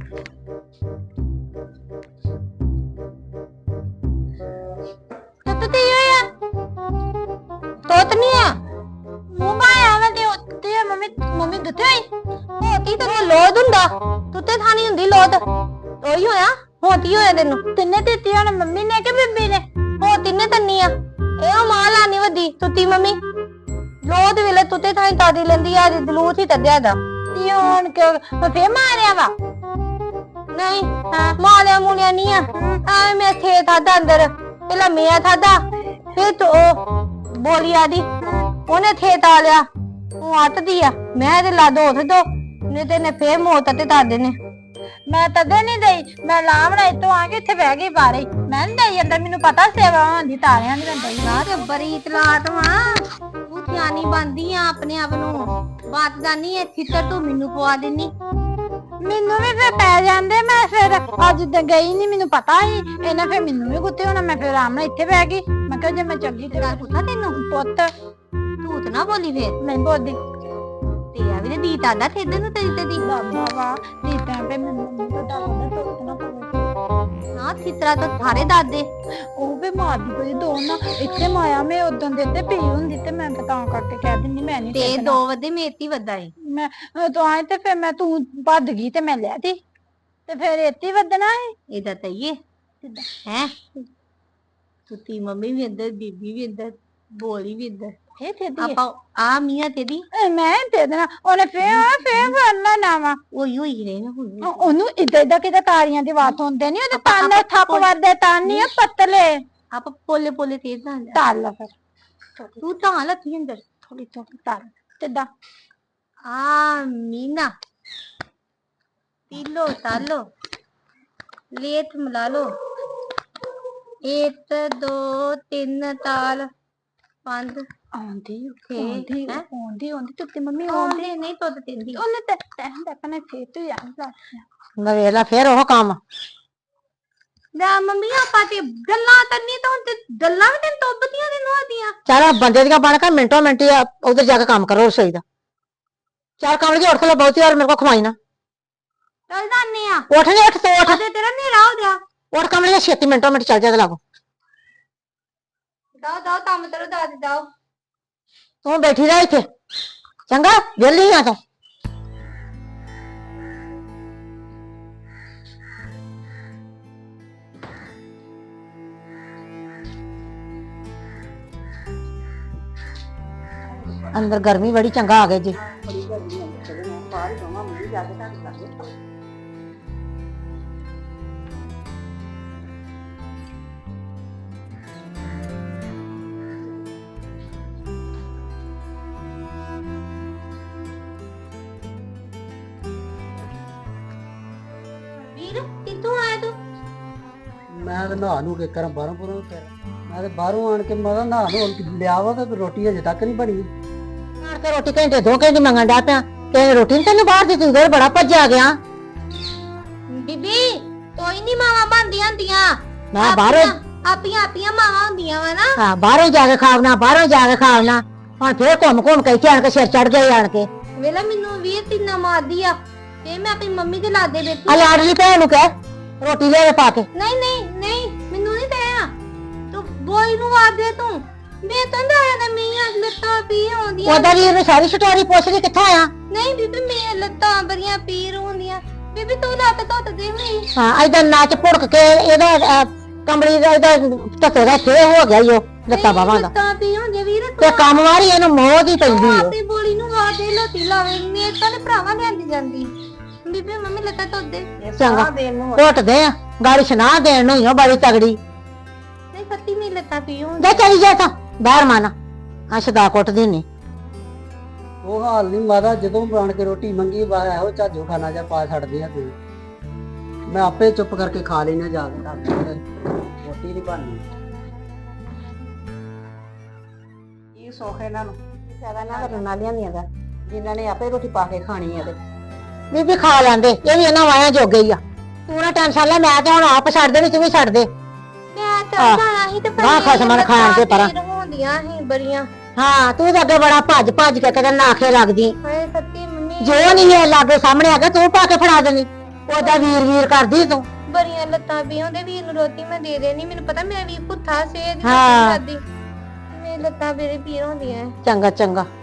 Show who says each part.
Speaker 1: ਤੇ ਹੋਇਆ ਤੋਤ ਨਹੀਂ ਆ ਮੂੰਹ ਪਾਇਆ ਵਾ ਤੇ ਉੱਤੇ ਮੰਮੀ ਦਿੱਤੇ ਹੋਈ ਹੋਤੀ ਤੈਨੂੰ ਲੋਦ ਹੁੰਦਾ ਤੁੱਤੇ ਥਾਣੀ ਹੁੰਦੀ ਲੋਦ ਉਹੀ ਹੋਇਆ ਹੋਤੀ ਹੋਇਆ ਤੈਨੂੰ ਤਿੰਨੇ ਦਿੱਤੀ ਹੁਣ ਮੰਮੀ ਨੇ ਕਿ ਬੀਬੀ ਨੇ ਹੋ ਤਿੰਨੇ ਤੰਨੀ ਆ ਇਹ ਮਾਂ ਲਾਣੀ ਵੱਡੀ ਤੁੱਤੀ ਮੰਮੀ ਲੋਦ ਵੇਲੇ ਤੁੱਤੇ ਥਾਣੀ ਤਾਦੀ ਲੈਂਦੀ ਆ ਦਲੂਤ ਹੀ ਤੱਦਿਆ ਦਾ ਤੀ ਹੁਣ ਫੇ ਮਾਰਿਆ ਵਾ ਨਹੀਂ ਮਾਰਿਆ ਮੁਲਿਆ ਨਹੀਂ ਆ ਐ ਮੈਂ ਥੇ ਥਾਦਾ ਅੰਦਰ ਪਹਿਲਾਂ ਮੈਂ ਥਾਦਾ ਫਿਰ ਤੋ ਬੋਲੀ ਆਦੀ ਉਹਨੇ ਥੇ ਤਾ ਲਿਆ ਉਹ ਅੱਟਦੀ ਆ ਮੈਂ ਤੇ ਲਾ ਦੋ ਉਥੇ ਦੋ ਨੇ ਤੇ ਨੇ ਫੇਰ ਮੋਤ ਤੇ ਦਾਦੇ ਨੇ ਮੈਂ ਤਦੇ ਨਹੀਂ ਦਈ ਮੈਂ ਲਾਵਣਾ ਇਤੋਂ ਆ ਕੇ ਇੱਥੇ ਬਹਿ ਗਈ ਬਾਰੇ ਮੈਂ ਨਹੀਂ ਦਈ ਅੰਦਰ ਮੈਨੂੰ ਪਤਾ ਸੇਵਾ ਹੁੰਦੀ ਤਾਰਿਆਂ ਦੀ ਮੈਂ ਦਈ ਨਾ ਤੇ ਬੜੀ ਇਤਲਾਤ ਵਾਂ ਤੂੰ ਧਿਆਨੀ ਬੰਦੀ ਆ ਆਪਣੇ ਆਪ ਨੂੰ ਬਾਤ ਦਾ ਨਹੀਂ ਇਹ ਫਿੱਤਰ ਤੂੰ ਮੈਨੂੰ ਪਵਾ ਦੇਨੀ ਮੈਨੂੰ ਵੀ ਫੇਰ ਪੈ ਜਾਂਦੇ ਮੈਂ ਫਿਰ ਅੱਜ ਤੇ ਗਈ ਨਹੀਂ ਮੈਨੂੰ ਪਤਾ ਹੀ ਇਹਨਾਂ ਫੇਰ ਮੈਨੂੰ ਵੀ ਗੁੱਤੇ ਹੋਣਾ ਮੈਂ ਫੇਰ ਆਰਾਮ ਨਾਲ ਇੱਥੇ ਬਹਿ ਗਈ ਮੈਂ ਕਿਹਾ ਜੇ ਮੈਂ ਚੰਗੀ ਤਰ੍ਹਾਂ ਪੁੱਛਾਂ ਤੈਨੂੰ ਪੁੱਤ ਤੂੰ ਤਾਂ ਨਾ ਬੋਲੀ ਫੇਰ ਨਹੀਂ ਬੋਲਦੀ ਤੇ ਆ ਵੀ ਦੀ ਤਾਦਾ ਥੇਦੇ ਨੂੰ ਤੇਰੀ ਤੇ ਦੀ ਬਾਬਾ ਵਾ ਦੀ ਤਾਂ ਪੇ ਮੈਨੂੰ ਤਾਂ ਦਾਦਾ ਤੋਂ ਨਾ ਪਵੇ ਨਾ ਥਿਤਰਾ ਤਾਂ ਸਾਰੇ ਦਾਦੇ ਉਹ ਵੀ ਮਾਰਦੀ ਕੋਈ ਦੋ ਨਾ ਇੱਥੇ ਮਾਇਆ ਮੈਂ ਉਦੋਂ ਦੇ ਤੇ ਪਈ ਹੁੰਦੀ ਤੇ ਮੈਂ ਤਾਂ ਕਰਕੇ ਕਹਿ ਦਿੰਦੀ ਮੈਂ ਨਹੀਂ ਤੇ ਦੋ ਵਦੇ ਮੇਤੀ ਵੱਦਾ ਏ ਮੈਂ ਤੂੰ ਆਏ ਤੇ ਫਿਰ ਮੈਂ ਤੂੰ ਭੱਜ ਗਈ ਤੇ ਮੈਂ ਲੈ ਤੀ ਤੇ ਫਿਰ ਇੱਥੇ ਵੱਧਣਾ ਏ ਇਹਦਾ ਤਾਂ ਇਹ ਹੈ ਤੁੱਤੀ ਮੰਮੀ ਵੀ ਅੰਦਰ ਬੀਬੀ ਵੀ ਅੰਦਰ ਬੋਲੀ ਵੀ ਅੰਦਰ ਇਹ ਤੇ ਆਪਾਂ ਆ ਮੀਆਂ ਤੇਦੀ ਮੈਂ ਤੇ ਦੇਣਾ ਉਹਨੇ ਫੇਰ ਵਰਨਾ ਨਾ ਵਾ ਉਹੀ ਰਹੇ ਨਾ ਉਹਨੂੰ ਇਦਾਂ ਕਿਤੇ ਤਾਰੀਆਂ ਦੀ ਬਾਤ ਹੁੰਦੇ ਨਹੀਂ ਉਹਦੇ ਤਾਨੇ ਥੱਪ ਵਰਦੇ ਤਾਨੀ ਪਤਲੇ ਆਪਾਂ ਪੋਲੇ ਤੇਜ਼ ਨਾ ਤਾਲ ਫਿਰ ਤੂੰ ਤਾਂ ਲੱਤੀ ਅੰਦਰ ਥੋੜੀ ਤਾਲ ਕਿੱਦਾਂ ਆ ਮੀਨਾ ਪੀਲੋ ਤਾਲੋ ਲੇਤ ਮਿਲਾ ਲੋ 1 2 3 ਤਾਲ 5 ਆਉਂਦੀ ਤੁੱਤੇ ਮੰਮੀ ਆਉਂਦੀ ਨਹੀਂ ਤੁੱਤ ਤਿੰਦੀ ਉਹਨੇ ਤੇ ਦੇਖਣੇ ਫੇਰ ਤੂੰ ਯਾਰ ਨਵੇਲਾ ਫੇਰ ਉਹ ਕੰਮ ਨਾ ਮੰਮੀ ਆਪਾਂ ਤੇ ਗੱਲਾਂ ਤੰਨੀ ਤਾਂ ਹੁਣ ਤੇ ਗੱਲਾਂ ਵੀ ਤੈਨੂੰ ਤੋਬਦੀਆਂ ਨੇ ਨੋਦੀਆਂ ਚੱਲ ਬੰਦੇ ਦੀਆਂ ਬਣ ਕੇ ਮਿੰਟੋ ਮਿੰਟੀ ਉਧਰ ਜਾ ਕੇ ਕੰਮ ਕਰੋ ਰਸੋਈ ਦਾ ਚਾਰ ਕੰਮ ਲਗੇ ਉੱਠ ਲੈ ਬਹੁਤੀ ਵਾਰ ਮੇਰੇ ਕੋ ਖਵਾਈ ਨਾ ਚੱਲ ਜਾਨੇ ਆ ਉੱਠ ਤੇ ਉੱਠ ਤੇ ਤੇਰਾ ਨੇਰਾ ਹੋ ਗਿਆ ਉੱਠ ਕੰਮ ਲਗੇ ਛੇਤੀ ਮਿੰਟੋ ਮਿੰਟ ਚੱਲ ਜਾ ਤੇ ਲਾਗੋ दाओ काम करो दादी दाओ तू बैठी रह इथे चंगा वेली आ तो अंदर गर्मी बड़ी चंगा आ गई जी बड़ी गर्मी है चलो बाहर जावा मुझे जाके साथ कर
Speaker 2: मैं तो नहा नू के कर बाहरों पुरों फिर मैं तो बाहरों आन के मैं नहा नू लिया वा ते रोटी अजे तक नहीं बनी
Speaker 1: के रोटी घंटे 2 घंटे मंगन डा पिया ते रोटी नहीं तेन बाहर दी तू इधर बड़ा भज्जा गया बीबी कोई नहीं मावा बनदियां हुंदियां मैं बाहरों आपियां मावा हुंदियां वा ना हां बाहरों जाके खावना बाहरों जाके खावना हुन फिर घुम के इत्थे आन के सिर चढ़ गए आन के वेला मेनू 20 तीना मारदी आ ते मैं अपनी मम्मी दे लादे बैठी आ लाडली भैन नू कह रोटी ले पा के नहीं मेनू नहीं दया तू बोई नु आ दे तू मैं तो दया ना मैं लत्तां पीर होंदियां ओदा वीर ने सारी स्टोरी पूछ ली कित्थे आया नहीं बीबी मैं लत्तां बड़ियां पीर होंदियां बीबी तू लत धोत दे हुई हां इधर नाच पुड़क के एदा कमली दा इधर टके दा थे हो गया यो लत्तां बावां दा लत्तां पीर होंदियां वीर ते काम वारी एनु मोह दी पैंदी है ते बोली नु आ दे लोटी लावे मैं तां भरावा लेंदी जांदी बीबी मम्मी लता तो दे चंगा कोट दे गाड़ी सुना देन नु यो बड़ी तगड़ी नहीं सत्ती नहीं लता पीओ जा चली जा ता बाहर माना अशदा कोट देनी
Speaker 2: वो हाल नहीं मारा जदों बन के रोटी मंगी बाहर हो झाजो खाना जा पा छड़ दे तू मैं आपे चुप करके खा लेना जाके रोटी नहीं बननी ये सोखे ना ज्यादा ना करना लिया दा जिन्हां ने आपे रोटी पा के खानी है ते
Speaker 1: बीबी खा लेंदे ये भी इन्हां वाया जोगे ही आ तू ना टेंशन ले मैं ते हुण आप छड़ दे तू भी छड़ दे मैं तो खाना ही ते पर खसमन खाण ते पर होंदियां ही बड़ियां हां तू तो अगे बड़ा भज के कदे नाखे लगदी हाय सच्ची मम्मी जो नहीं है लागे सामने आ गया तू पा के फड़ा देनी
Speaker 2: ਉਹਦਾ ਵੀਰ ਵੀਰ ਕਰਦੀ ਤੂੰ।
Speaker 1: ਬੜੀਆਂ ਲੱਤਾਂ ਪੀਆਂ ਉਹਦੇ ਵੀਰ ਨੂੰ ਰੋਟੀ ਮੈਂ ਦੇ ਦੇਣੀ ਮੈਨੂੰ ਪਤਾ ਮੇਰਾ ਵੀਰ ਭੁੱਖਾ ਸੀ ਇਹਦੀ
Speaker 2: ਹਾਂ।
Speaker 1: ਖਾਦੀ ਮੇਰੀ ਲੱਤਾਂ ਮੇਰੇ ਪੀੜ ਹੁੰਦੀਆਂ
Speaker 2: ਚੰਗਾ ਚੰਗਾ